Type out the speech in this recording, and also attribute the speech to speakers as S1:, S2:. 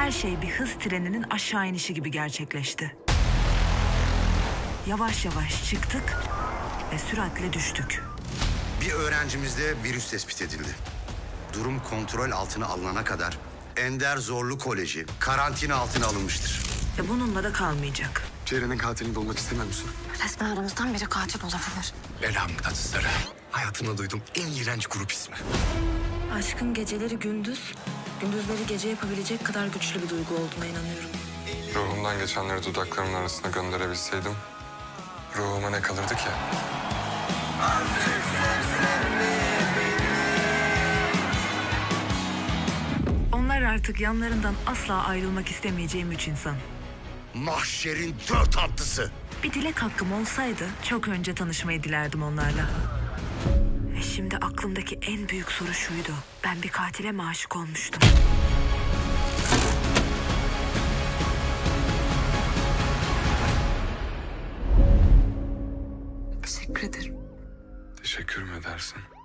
S1: Her şey bir hız treninin aşağı inişi gibi gerçekleşti. Yavaş yavaş çıktık ve süratle düştük.
S2: Bir öğrencimizde virüs tespit edildi. Durum kontrol altına alınana kadar Ender Zorlu Koleji karantina altına alınmıştır.
S1: Ve bununla da kalmayacak.
S3: Ceren'in katilini bulmak istemiyor musun?
S4: Resmen aramızdan biri katil olabilir.
S3: Belamın tatlıları. Hayatımda duyduğum en iğrenç grup ismi.
S1: Aşkın geceleri gündüz, gündüzleri gece yapabilecek kadar güçlü bir duygu olduğuna inanıyorum.
S5: Ruhumdan geçenleri dudaklarımın arasına gönderebilseydim, ruhuma ne kalırdı ki?
S1: Onlar artık yanlarından asla ayrılmak istemeyeceğim 3 insan.
S2: Mahşerin 4 atlısı.
S1: Bir dilek hakkım olsaydı çok önce tanışmayı dilerdim onlarla. Ve şimdi aklımdaki en büyük soru şuydu. Ben bir katile mi aşık olmuştum?
S4: Teşekkür ederim.
S5: Teşekkür mü edersin?